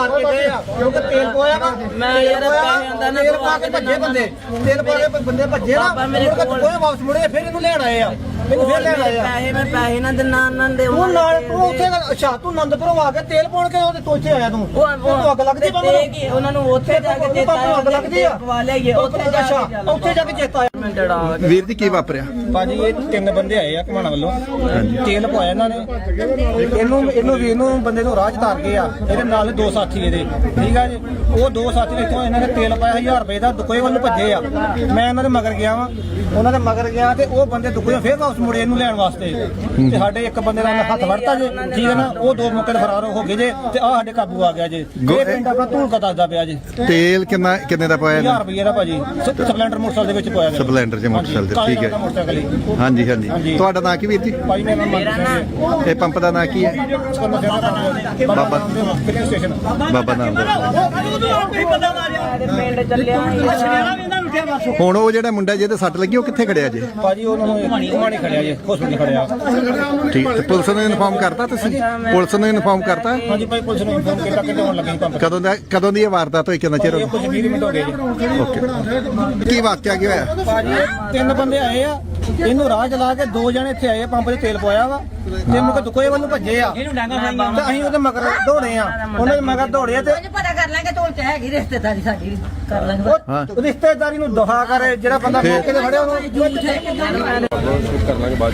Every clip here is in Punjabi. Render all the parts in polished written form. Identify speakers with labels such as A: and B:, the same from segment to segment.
A: ਮਾਰ ਕੇ ਗਏ ਆ ਕਿਉਂਕਿ ਤੇਲ ਪੋਇਆ ਵਾ
B: ਮੈਂ ਯਾਰ
A: ਤੇਲ ਪਾ ਕੇ ਭੱਜੇ ਬੰਦੇ ਤੇਲ ਪਾ ਕੇ ਬੰਦੇ ਭੱਜੇ ਨਾ ਮੇਰੇ ਕੋਲ ਕੋਈ ਵਾਪਸ ਮੁੜੇ ਫਿਰ ਇਹਨੂੰ ਲੈਣ ਆਏ ਆ ਮੈਨੂੰ ਫਿਰ ਲੈਣ ਆਏ ਆ
B: ਪੈਸੇ ਨਾ ਦਿਨਾ ਦੇ
A: ਤੂੰ ਨਾਲ ਤੂੰ ਉੱਥੇ ਅੱਛਾ ਤੂੰ ਆਨੰਦਪੁਰੋਂ ਆ ਕੇ ਤੇਲ ਪਾਉਣ ਕੇ ਉਹਦੇ ਤੋਚੇ ਆਇਆ ਤੂੰ ਤੂੰ ਅੱਗ ਲੱਗਦੀ
B: ਕਿ ਉਹਨਾਂ ਨੂੰ ਉੱਥੇ ਜਾ ਕੇ ਚੇਤਾ
A: ਅੱਗ ਲੱਗਦੀ ਆ
B: ਪਵਾ ਲਿਆਈਏ
A: ਉੱਥੇ ਜਾ ਕੇ ਚੇਤਾ ਆਇਆ
C: ਵੀਰ ਜੀ ਕੀ ਵਾਪਰਿਆ?
A: ਭਾਜੀ ਇਹ 3 ਬੰਦੇ ਆਏ ਆ ਘਮਾਣਾ ਵੱਲੋਂ ਤੇਲ ਪਵਾਇਆ ਇਹਨਾਂ ਨੇ ਇਹਨੂੰ ਵੀਰ ਨੂੰ ਬੰਦੇ ਨੂੰ ਰਾਹ ਚ ਤਾਰ ਗਏ ਆ ਇਹਦੇ ਨਾਲ 2 ਸਾਥੀ ਇਹਦੇ ਠੀਕ ਆ ਜੀ ਉਹ 2 ਸਾਥੀ ਇੱਥੋਂ ਇਹਨਾਂ ਨੇ ਤੇਲ ਪਾਇਆ 1000 ਰੁਪਏ ਦਾ ਦੁਕੋਏ ਵੱਲ ਨੂੰ ਭੱਜੇ ਆ ਮੈਂ ਇਹਨਾਂ ਦੇ ਮਗਰ ਗਿਆ ਵਾਂ ਉਹਨਾਂ ਦੇ ਮਗਰ ਗਿਆ ਤੇ ਉਹ ਬੰਦੇ ਦੁਕੋਏ ਫੇਰ ਵਾਪਸ ਮੁੜੇ ਇਹਨੂੰ ਲੈਣ ਵਾਸਤੇ ਤੇ ਸਾਡੇ ਇੱਕ ਬੰਦੇ ਦਾ ਹੱਥ ਵੜਤਾ ਜੇ ਠੀਕ ਹੈ ਨਾ ਉਹ 2 ਮੌਕੇ ਤੇ ਫਰਾਰ ਹੋ ਗਏ ਜੇ ਤੇ ਆ ਸਾਡੇ ਕਾਬੂ ਆ ਗਿਆ ਜੇ ਇਹ ਪਿੰਡ ਆਪਣਾ ਧੂਲਕਾ ਦੱਸਦਾ ਪਿਆ ਜੇ
C: ਤੇਲ ਕਿੰਨੇ ਦਾ ਪਾਇਆ?
A: 1000 ਰੁਪਏ ਦਾ ਭਾਜੀ ਸਪਲੈਂਡਰ ਮੋਟਰਸਾਈਕਲ ਦੇ ਵਿੱਚ ਪਾਇਆ ਗਿਆ
C: ਸਪਲੈਂਡਰ ਚ ਮੋਟਰਸਾਈਕਲ ਤੇ ਠੀਕ ਹੈ ਹਾਂਜੀ ਹਾਂਜੀ ਤੁਹਾਡਾ ਨਾਂ ਕੀ ਵੀਰ ਜੀ?
A: ਭਾਈ ਮੇਰਾ ਨਾਮ
C: ਇਹ ਪੰਪ ਦਾ ਨਾਂ ਕੀ ਹੈ? ਬਾਬਾ
A: ਸਟੇਸ਼ਨ
C: ਬਾਬਾ ਨਾਮ ਦਾ
B: ਪਿੰਡ ਚੱਲਿਆ
C: ਹੁਣ ਉਹ ਜਿਹੜਾ ਮੁੰਡਾ ਜਿਹਦੇ ਸੱਟ ਲੱਗੀ ਉਹ ਕਿੱਥੇ ਖੜਿਆ ਜੇ?
A: ਭਾਜੀ ਉਹਨਾਂ ਨੂੰ ਘੁਮਾਣੀ ਖੜਿਆ ਜੇ ਹਸਪੀਟਲ ਖੜਿਆ
C: ਠੀਕ ਤੇ ਪੁਲਿਸ ਨੂੰ ਇਨਫਾਰਮ ਕਰਤਾ ਤੁਸੀਂ? ਪੁਲਿਸ ਨੂੰ ਇਨਫਾਰਮ ਕਰਤਾ?
A: ਹਾਂਜੀ ਭਾਈ ਪੁਲਿਸ ਨੂੰ ਇਨਫਾਰਮ ਕੀਤਾ ਕਿ ਹੋਣ ਲੱਗੇ ਪੰਪ
C: ਕਦੋਂ ਦੀ ਇਹ ਵਾਰਦਾਤ ਹੋਈ? ਕਿੰਨਾ ਚਿਰ ਹੋ
A: ਕੁਝ 20 ਮਿੰਟ ਹੋ ਗਏ ਜੀ
C: ਓਕੇ ਕੀ ਵਾਕਿਆ ਕੀ ਹੋਇਆ?
A: ਭਾਜੀ 3 ਬੰਦੇ ਆਏ ਆ ਇਹਨੂੰ ਰਾਹ ਚਲਾ ਕੇ 2 ਜਣੇ ਇੱਥੇ ਆਏ ਪੰਪ 'ਚ ਤੇਲ ਪਵਾਇਆ ਵਾ ਤੇ ਮੁਕ ਦੁਕੋਏ ਵੱਲ ਨੂੰ ਭੱਜੇ ਆ ਤੇ ਅਸੀਂ ਉਹਦੇ ਮਗਰ ਦੌੜੇ ਆ ਉਹਨਾਂ ਦੇ ਮਗਰ ਦੌੜੇ ਤੇ
B: ਪਤਾ ਕਰ ਲਾਂਗੇ ਤੋਲ ਚ ਹੈਗੀ ਰਿਸ਼ਤੇਦਾਰੀ ਸਾਡੀ ਕਰ ਲਾਂਗੇ
A: ਉਹ ਰਿਸ਼ਤੇਦਾਰੀ ਨੂੰ ਦੁਹਾ ਕਰੇ ਜਿਹੜਾ ਬੰਦਾ ਮੌਕੇ ਤੇ ਫੜਿਆ ਉਹਨੂੰ
D: ਕਰ ਲਾਂਗੇ ਬਾਅਦ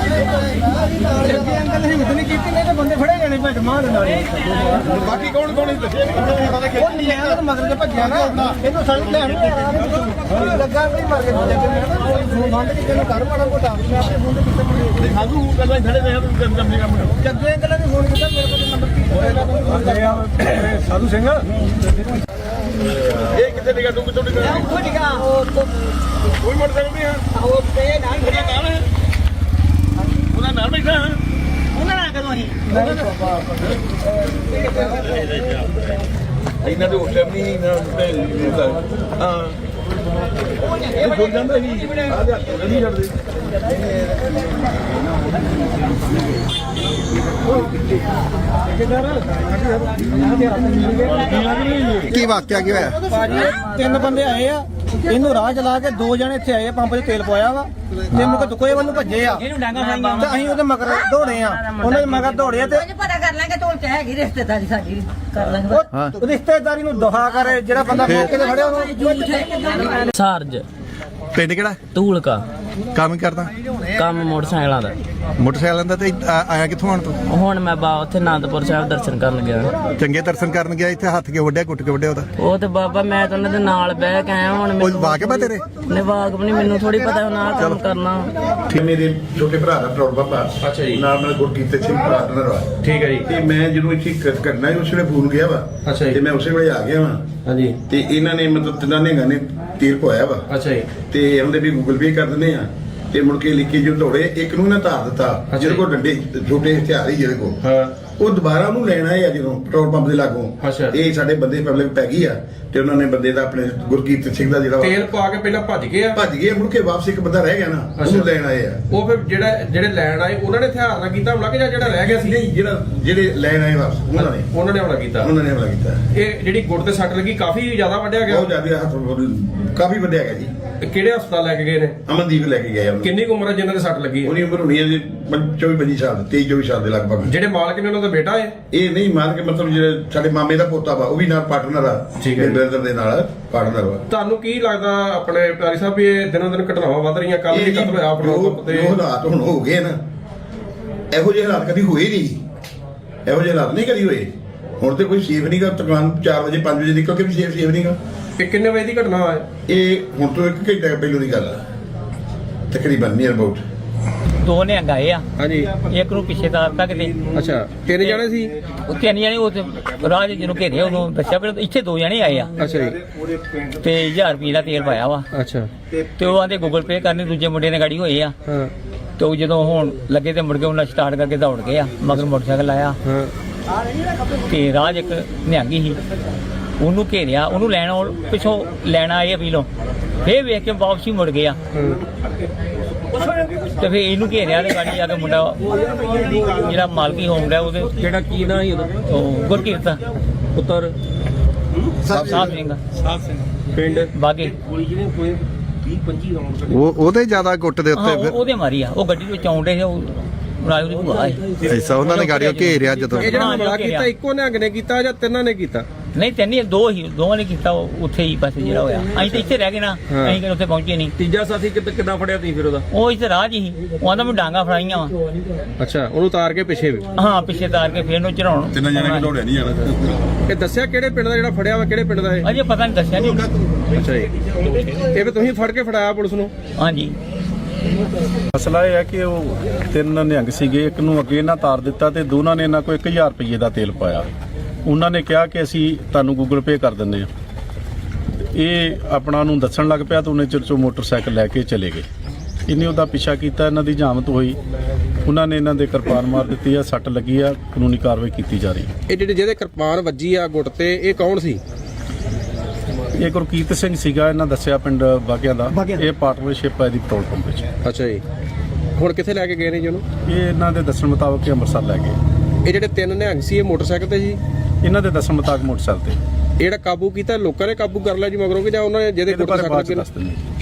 A: ਅੰਕਲ ਹਿੰਮਤ ਨਹੀਂ ਕੀਤੀ ਨਹੀਂ ਤੇ ਬੰਦੇ ਫੜੇ ਜਾਣੇ ਭੱਜ ਮਾਰ ਨਾਲ
D: ਬਾਕੀ ਕੌਣ ਦੱਸਿਆ
A: ਉਹ ਨਿਆਂ ਦੇ ਮਗਰ ਤੇ ਭੱਜਿਆ ਨਾ ਇਹਨੂੰ ਸਾਨੂੰ ਲੈਣ ਲੱਗਾ ਕੋਈ ਮਰ ਗਿਆ ਫੋਨ ਬੰਦ ਕਿਤੇ ਨੂੰ ਕਰ ਮਾੜਾ ਮੋਟਾ ਮੈਂ ਆਪਣੇ ਫੋਨ ਤੇ ਕਿਤੇ
D: ਸਾਧੂ ਗੱਲਾਂ ਖੜੇ ਰਹੇ ਤੂੰ ਕੰਮ
A: ਜੱਗੇ ਅੰਕਲ ਨੇ ਫੋਨ ਕੀਤਾ ਮੇਰੇ ਕੋਲ ਨੰਬਰ
D: ਸਾਧੂ ਸਿੰਘ ਇਹ ਕਿੱਥੇ ਨਿਕਾ ਤੂੰ ਕਿੱਥੋਂ ਨਿਕਾ
A: ਉੱਥੋਂ ਨਿਕਾ
D: ਕੋਈ ਮੋਟਰਸਾਈਕਲ ਨਹੀਂ ਹੈ
A: ਉਹ ਤੇ ਨਾਲ
D: ਉਹਦਾ ਨਾਲ ਹੈ ਉਹਦਾ ਨਾਲ ਬੈਠਾ ਹੈ
A: ਉਹਨਾਂ ਨਾਲ ਕਦੋਂ ਅਸੀਂ
D: ਇਹਨਾਂ ਦੇ ਹੋਟਲ ਨਹੀਂ ਨਾ ਹਾਂ ਉਹ ਜੁੜ ਜਾਂਦਾ ਹੀ ਆ ਜਾ ਨਹੀਂ ਛੱਡਦੇ
C: ਕੀ ਵਾਕਿਆ ਕੀ ਹੋਇਆ?
A: ਭਾਜੀ 3 ਬੰਦੇ ਆਏ ਆ ਇਹਨੂੰ ਰਾਹ ਚਲਾ ਕੇ 2 ਜਣੇ ਇੱਥੇ ਆਏ ਪੰਪ 'ਚ ਤੇਲ ਪਵਾਇਆ ਵਾ ਤੇ ਮੁਕ ਦੁਕੋਏ ਵੱਲ ਨੂੰ ਭੱਜੇ ਆ ਤੇ ਅਸੀਂ ਉਹਦੇ ਮਗਰ ਦੌੜੇ ਆ ਉਹਨਾਂ ਦੇ ਮਗਰ ਦੌੜੇ ਤੇ
B: ਪਤਾ ਕਰ ਲਾਂਗੇ ਤੋਲ ਚ ਹੈਗੀ ਰਿਸ਼ਤੇਦਾਰੀ ਸਾਡੀ ਕਰ ਲਾਂਗੇ
A: ਉਹ ਰਿਸ਼ਤੇਦਾਰੀ ਨੂੰ ਦੁਹਾ ਕਰੇ ਜਿਹੜਾ ਬੰਦਾ ਮੌਕੇ ਤੇ ਫੜਿਆ ਉਹਨੂੰ
B: ਸਾਰਜ
C: ਪਿੰਡ ਕਿਹੜਾ?
B: ਧੂਲਕਾ
C: ਕੰਮ ਕਰਦਾ?
B: ਕੰਮ ਮੋਟਰਸਾਈਕਲਾਂ ਦਾ
C: ਮੋਟਰਸਾਈਕਲਾਂ ਦਾ ਤੇ ਆਇਆ ਕਿੱਥੋਂ ਆਣ ਤੂੰ?
B: ਹੁਣ ਮੈਂ ਉੱਥੇ ਆਨੰਦਪੁਰ ਸਾਹਿਬ ਦਰਸ਼ਨ ਕਰਨ ਗਿਆ
C: ਚੰਗੇ ਦਰਸ਼ਨ ਕਰਨ ਗਿਆ ਇੱਥੇ ਹੱਥ ਕੇ ਵੱਢਿਆ ਕੁੱਟ ਕੇ ਵੱਢਿਆ ਉਹਦਾ?
B: ਉਹ ਤੇ ਬਾਬਾ ਮੈਂ ਤਾਂ ਉਹਨਾਂ ਦੇ ਨਾਲ ਬਹਿ ਕੇ ਆਇਆ ਹੁਣ
C: ਉਹ ਵਾਕਿਆ ਬਾ ਤੇਰੇ?
B: ਨੇ ਵਾਕਬ ਨਹੀਂ ਮੈਨੂੰ ਥੋੜੀ ਪਤਾ ਹੁਣ ਆਹ ਕੰਮ ਕਰਨਾ
E: ਠੀਕ ਮੇਰੇ ਛੋਟੇ ਭਰਾ ਦਾ ਪ੍ਰੋੜ ਬਾਬਾ
D: ਅੱਛਾ ਜੀ
E: ਨਾਲ ਨਾਲ ਗੁਰਕੀਰਤ ਸਿੰਘ ਪਾਰਟਨਰ ਵਾ
D: ਠੀਕ ਹੈ ਜੀ
E: ਤੇ ਮੈਂ ਜਦੋਂ ਇੱਥੇ ਕਰਨਾ ਸੀ ਉਸ ਵੇਲੇ ਫੋਨ ਗਿਆ ਵਾ
D: ਅੱਛਾ ਜੀ।
E: ਤੇ ਮੈਂ ਉਸੇ ਵੇਲੇ ਆ ਗਿਆ ਵਾ
D: ਹਾਂਜੀ
E: ਤੇ ਇਹਨਾਂ ਨੇ ਮਤਲਬ ਤਿੰਨਾਂ ਨੇ ਗਾਣੇ ਤੀਰ ਪਵਾਇਆ ਵਾ
D: ਅੱਛਾ ਜੀ
E: ਤੇ ਉਹਦੇ ਵੀ ਗੂਗਲ ਪੇ ਕਰ ਦਿੰਦੇ ਆ ਤੇ ਮੁੜ ਕੇ ਲਿਖੀ ਜੋ ਦੌੜੇ ਇੱਕ ਨੂੰ ਨਾ ਧਾਰ ਦਿੱਤਾ ਜਿਹਦੇ ਕੋਲ ਡੰਡੇ ਛੋਟੇ ਹਥਿਆਰ ਹੀ ਜਿਹਦੇ ਕੋਲ
D: ਹਾਂ
E: ਉਹ ਦੁਬਾਰਾ ਉਹਨੂੰ ਲੈਣ ਆਏ ਆ ਜਦੋਂ ਪੈਟਰੋਲ ਪੰਪ ਦੇ ਲਾਗੋਂ
D: ਅੱਛਾ।
E: ਇਹ ਸਾਡੇ ਬੰਦੇ ਪਬਲਿਕ ਪੈ ਗਈ ਆ ਤੇ ਉਹਨਾਂ ਨੇ ਬੰਦੇ ਦਾ ਆਪਣੇ ਗੁਰਕੀਰਤ ਸਿੰਘ ਦਾ ਜਿਹੜਾ ਵਾ,
D: ਤੇਲ ਪਾ ਕੇ ਪਹਿਲਾਂ ਭੱਜ ਗਏ ਆ
E: ਭੱਜ ਗਏ ਮੁੜ ਕੇ ਵਾਪਸ ਇੱਕ ਬੰਦਾ ਰਹਿ ਗਿਆ ਨਾ ਉਹਨੂੰ ਲੈਣ ਆਏ ਆ
D: ਉਹ ਫਿਰ ਜਿਹੜੇ ਲੈਣ ਆਏ ਉਹਨਾਂ ਨੇ ਹਥਿਆਰ ਨਾਲ ਕੀਤਾ ਹਮਲਾ ਕਿ ਜਾਂ ਜਿਹੜਾ ਰਹਿ ਗਿਆ ਸੀ
E: ਨਹੀਂ ਜਿਹੜੇ ਲੈਣ ਆਏ ਵਾਪਸ
D: ਉਹਨਾਂ ਨੇ ਹਮਲਾ ਕੀਤਾ
E: ਉਹਨਾਂ ਨੇ ਹਮਲਾ ਕੀਤਾ
D: ਇਹ ਜਿਹੜੀ ਗੁੱਟ ਤੇ ਸੱਟ ਲੱਗੀ ਕਾਫੀ ਜ਼ਿਆਦਾ ਵੱਢਿਆ
E: ਬਹੁਤ
D: ਗਿਆ
E: ਜ਼ਿਆਦਾ ਹੱਥ ਕਾਫੀ ਵੱਡਿਆ ਗਿਆ ਜੀ
D: ਇਹ ਕਿਹੜੇ ਹਸਪਤਾਲ ਲੈ ਕੇ ਗਏ ਨੇ
E: ਅਮਨਦੀਪ ਲੈ ਕੇ ਗਏ ਉਹਨੂੰ
D: ਕਿੰਨੀ ਕੁ ਉਮਰ ਹੈ ਜਿਨ੍ਹਾਂ ਦੇ ਸੱਟ ਲੱਗੀ ਹੈ
E: ਉਹਦੀ ਉਮਰ ਹੋਣੀ ਹੈ ਜੀ 24-25 ਸਾਲ 23-24 ਸਾਲ ਦੇ ਲਗਭਗ
D: ਜਿਹੜੇ ਮਾਲਕ ਨੇ ਉਹਨਾਂ ਦਾ ਬੇਟਾ ਹੈ
E: ਇਹ ਨਹੀਂ ਮਾਰ ਕੇ ਮਤਲਬ ਜਿਹੜੇ ਸਾਡੇ ਮਾਮੇ ਦਾ ਪੋਤਾ ਵਾ ਉਹ ਵੀ ਨਾਲ ਪਾਰਟਨਰ ਆ
D: ਠੀਕ ਹੈ ਜੀ।
E: ਬ੍ਰਦਰ ਦੇ ਨਾਲ ਪਾਰਟਨਰ ਵਾ
D: ਤੁਹਾਨੂੰ ਕੀ ਲੱਗਦਾ ਆਪਣੇ ਪਿਆਰੀ ਸਾਹਿਬ ਵੀ ਇਹ ਦਿਨੋਂ ਦਿਨ ਘਟਨਾਵਾਂ ਵੱਧ ਰਹੀਆਂ ਕੱਲ ਵੀ ਕਤਲ ਹੋਇਆ ਪੈਟਰੋਲ ਪੰਪ ਤੇ
E: ਜੋ ਹਾਲਾਤ ਹੁਣ ਹੋ ਗਏ ਨਾ ਇਹੋ ਜਿਹੇ ਹਾਲਾਤ ਕਦੀ ਹੋਏ ਨਹੀਂ ਇਹੋ ਜਿਹੇ ਹਾਲਾਤ ਨਹੀਂ ਕਦੀ ਹੋਏ ਹੁਣ ਤੇ ਕੋਈ ਸੇਫ ਨਹੀਂਗਾ ਦੁਕਾਨ 4 ਵਜੇ 5 ਵਜੇ ਨਿਕਲ ਕੇ ਵੀ ਸੇਫ ਨਹੀਂਗਾ
D: ਇਹ ਕਿੰਨੇ ਵਜੇ ਦੀ ਘਟਨਾ ਹੈ
E: ਇਹ ਹੁਣ ਤੋਂ 1 ਘੰਟਾ ਪਹਿਲਾਂ ਦੀ ਗੱਲ ਆ ਤਕਰੀਬਨ ਨੀਅਰ ਅਬਾਊਟ
F: 2 ਨਿਹੰਗ ਆਏ ਆ
D: ਹਾਂਜੀ
F: ਇੱਕ ਨੂੰ ਪਿੱਛੇ ਤਾਰਤਾ ਕਿਤੇ
D: ਅੱਛਾ 3 ਜਣੇ ਸੀ
F: ਉਹ 3 ਜਣੇ ਉਹ ਤੇ ਰਾਹ ਦੇ ਜਿਹਨੂੰ ਘੇਰੇ ਉਹਨੂੰ ਦੱਸਿਆ ਪਰ ਇੱਥੇ 2 ਜਣੇ ਆਏ ਆ
D: ਅੱਛਾ ਜੀ
F: ਤੇ 1000 ਰੁਪਏ ਦਾ ਤੇਲ ਪਾਇਆ ਵਾ
D: ਅੱਛਾ
F: ਤੇ ਉਹ ਆਂਦੇ ਗੂਗਲ ਪੇ ਕਰਨੇ ਦੂਜੇ ਮੁੰਡੇ ਨੇ ਗਾੜੀ ਹੋਏ ਆ
D: ਹਾਂ
F: ਤੇ ਉਹ ਜਦੋਂ ਹੁਣ ਲੱਗੇ ਤੇ ਮੁੜ ਕੇ ਉਹਨਾਂ ਸਟਾਰਟ ਕਰਕੇ ਦੌੜ ਗਏ ਆ ਮਗਰ ਮੋਟਰਸਾਈਕਲ ਆਇਆ
D: ਹਾਂ
F: ਤੇ ਰਾਹ 'ਚ ਇੱਕ ਨਿਹੰਗੀ ਸੀ ਉਹਨੂੰ ਘੇਰਿਆ ਉਹਨੂੰ ਲੈਣ ਪਿੱਛੋਂ ਲੈਣ ਆਏ ਆ ਪੀਲੋਂ ਫੇਰ ਵੇਖ ਕੇ ਵਾਪਸੀ ਮੁੜ ਗਿਆ ਤੇ ਫੇਰ ਇਹਨੂੰ ਘੇਰਿਆ ਤੇ ਗਾੜੀ ਜਾ ਕੇ ਮੁੰਡਾ ਜਿਹੜਾ ਮਾਲਕੀ ਹੋਮ ਦਾ ਉਹਦੇ
D: ਜਿਹੜਾ ਕੀ ਨਾ ਸੀ ਉਹਦਾ
F: ਉਹ ਗੁਰਕੀਰਤ
G: ਪੁੱਤਰ
F: ਸਾਫ ਸਿੰਘ
G: ਪਿੰਡ
F: ਬਾਗੇ
C: ਉਹਦੇ ਜ਼ਿਆਦਾ ਗੁੱਟ ਦੇ
F: ਹਾਂ
C: ਉੱਤੇ ਫਿਰ
F: ਉਹਦੇ ਮਾਰੀ ਆ ਉਹ ਗੱਡੀ ਵਿੱਚ ਆਉਂਦੇ ਸੀ ਉਹ ਰਾਜੂ ਦੀ ਭੂਆ ਹੈ
C: ਐਸਾ ਉਹਨਾਂ ਨੇ ਗਾੜੀਆਂ ਘੇਰਿਆ ਜਦੋਂ
G: ਇਹ ਜਿਹੜਾ
F: ਹਾਂ,
G: ਹਮਲਾ
F: ਜੋ
G: ਕੀਤਾ ਇੱਕੋ ਨਿਹੰਗ ਨੇ ਕੀਤਾ ਜਾਂ ਤਿੰਨਾਂ ਨੇ ਕੀਤਾ?
F: ਨਹੀਂ ਤੈਨੂੰ ਦੋਵਾਂ ਨੇ ਕੀਤਾ ਉੱਥੇ ਹੀ ਪਾਸੇ ਜਿਹੜਾ ਹੋਇਆ ਅਸੀਂ ਤਾਂ ਇੱਥੇ ਰਹਿ ਗਏ ਨਾ ਅਸੀਂ ਕਿ ਉੱਥੇ ਪਹੁੰਚੇ ਨਹੀਂ
G: ਤੀਜਾ ਸਾਥੀ ਕਿੱਦਾਂ ਫੜਿਆ ਤੁਸੀਂ ਫਿਰ ਉਹਦਾ?
F: ਉਹ ਇੱਥੇ ਰਾਹ 'ਚ ਹੀ ਉਹ ਆਂਦਾ ਮੈਂ ਡਾਂਗਾ ਫੜਾਈਆਂ ਵਾ
G: ਅੱਛਾ, ਉਹਨੂੰ ਉਤਾਰ ਕੇ ਪਿੱਛੇ ਵੀ
F: ਹਾਂ ਪਿੱਛੇ ਤਾਰ ਕੇ ਫੇਰ ਨੂੰ ਚੜਾਉਣ
E: ਤਿੰਨ ਜਣੇ ਕਿ ਦੌੜਿਆ ਨਹੀਂ ਜਾਣਾ।
G: ਇਹ ਦੱਸਿਆ ਕਿਹੜੇ ਪਿੰਡ ਦਾ ਜਿਹੜਾ ਫੜਿਆ ਵਾ, ਕਿਹੜੇ ਪਿੰਡ ਦਾ ਇਹ?
F: ਅਜੇ ਪਤਾ ਨਹੀਂ ਦੱਸਿਆ ਨਹੀਂ
G: ਅੱਛਾ ਜੀ, ਇਹ ਵੀ ਤੁਸੀਂ ਫੜ ਕੇ ਫੜਾਇਆ ਪੁਲਿਸ ਨੂੰ?
F: ਹਾਂਜੀ
H: ਮਸਲਾ ਇਹ ਹੈ ਕਿ ਉਹ ਤਿੰਨ ਨਿਹੰਗ ਸੀਗੇ, ਇੱਕ ਨੂੰ ਅੱਗੇ ਇਹਨਾਂ ਤਾਰ ਦਿੱਤਾ ਤੇ ਦੋਨਾਂ ਨੇ ਇਹਨਾਂ ਕੋਲ 1000 ਰੁਪਏ ਦਾ ਤੇਲ ਪਾਇਆ। ਉਹਨਾਂ ਨੇ ਕਿਹਾ ਕਿ ਅਸੀਂ ਤੁਹਾਨੂੰ ਗੂਗਲ ਪੇ ਕਰ ਦਿੰਦੇ ਹਾਂ। ਇਹ ਆਪਣਾ ਨੂੰ ਦੱਸਣ ਲੱਗ ਪਿਆ ਤਾਂ ਉਹਨੇ ਚਿਰ 'ਚੋਂ ਮੋਟਰਸਾਈਕਲ ਲੈ ਕੇ ਚਲੇ ਗਏ। ਇਹਨੇ ਉਹਦਾ ਪਿੱਛਾ ਕੀਤਾ, ਇਹਨਾਂ ਦੀ ਜਾਮਤ ਹੋਈ, ਉਹਨਾਂ ਨੇ ਇਹਨਾਂ ਦੇ ਕਿਰਪਾਨ ਮਾਰ ਦਿੱਤੀ ਆ, ਸੱਟ ਲੱਗੀ ਆ, ਕਾਨੂੰਨੀ ਕਾਰਵਾਈ ਕੀਤੀ ਜਾ ਰਹੀ ਹੈ।
G: ਇਹ ਜਿਹਦੇ ਕਿਰਪਾਨ ਵੱਜੀ ਆ ਗੁੱਟ ਤੇ, ਇਹ ਕੌਣ ਸੀ?
H: ਇਹ ਗੁਰਕੀਰਤ ਸਿੰਘ ਸੀਗਾ, ਇਹਨਾਂ ਦੱਸਿਆ ਪਿੰਡ ਬਾਗਿਆਂ ਦਾ। ਇਹ ਪਾਰਟਨਰਸ਼ਿਪ ਹੈ ਦੀ ਪੈਟਰੋਲ ਪੰਪ ਵਿੱਚ।
G: ਅੱਛਾ ਜੀ, ਹੁਣ ਕਿੱਥੇ ਲੈ ਕੇ ਗਏ ਨੇ ਜੀ ਉਹਨੂੰ?
H: ਇਹ ਇਹਨਾਂ ਦੇ ਦੱਸਣ ਮੁਤਾਬਕ ਅੰਮ੍ਰਿਤਸਰ ਲੈ ਗਏ।
G: ਇਹ ਜਿਹੜੇ ਤਿੰਨ ਨਿਹੰਗ ਸੀ ਇਹ ਮੋਟਰਸਾਈਕਲ ਤੇ ਸੀ?
H: ਇਹਨਾਂ ਦੇ ਦੱਸਣ ਮੁਤਾਬਕ ਮੋਟਰਸਾਈਕਲ ਤੇ।
G: ਇਹ ਜਿਹੜਾ ਕਾਬੂ ਕੀਤਾ ਲੋਕਾਂ ਨੇ ਕਾਬੂ ਕਰ ਲਿਆ ਜੀ ਮਗਰੋਂ ਕਿ ਜਾਂ ਉਹਨਾਂ ਨੇ ਜਿਹਦੇ
H: ਇਹਦੇ
G: ਗੁੱਟ
H: ਬਾਰੇ
G: ਸੱਟ
H: ਬਾਅਦ 'ਚ
G: ਲੱਗੇ?
H: ਦੱਸ ਦਿੰਦੇ।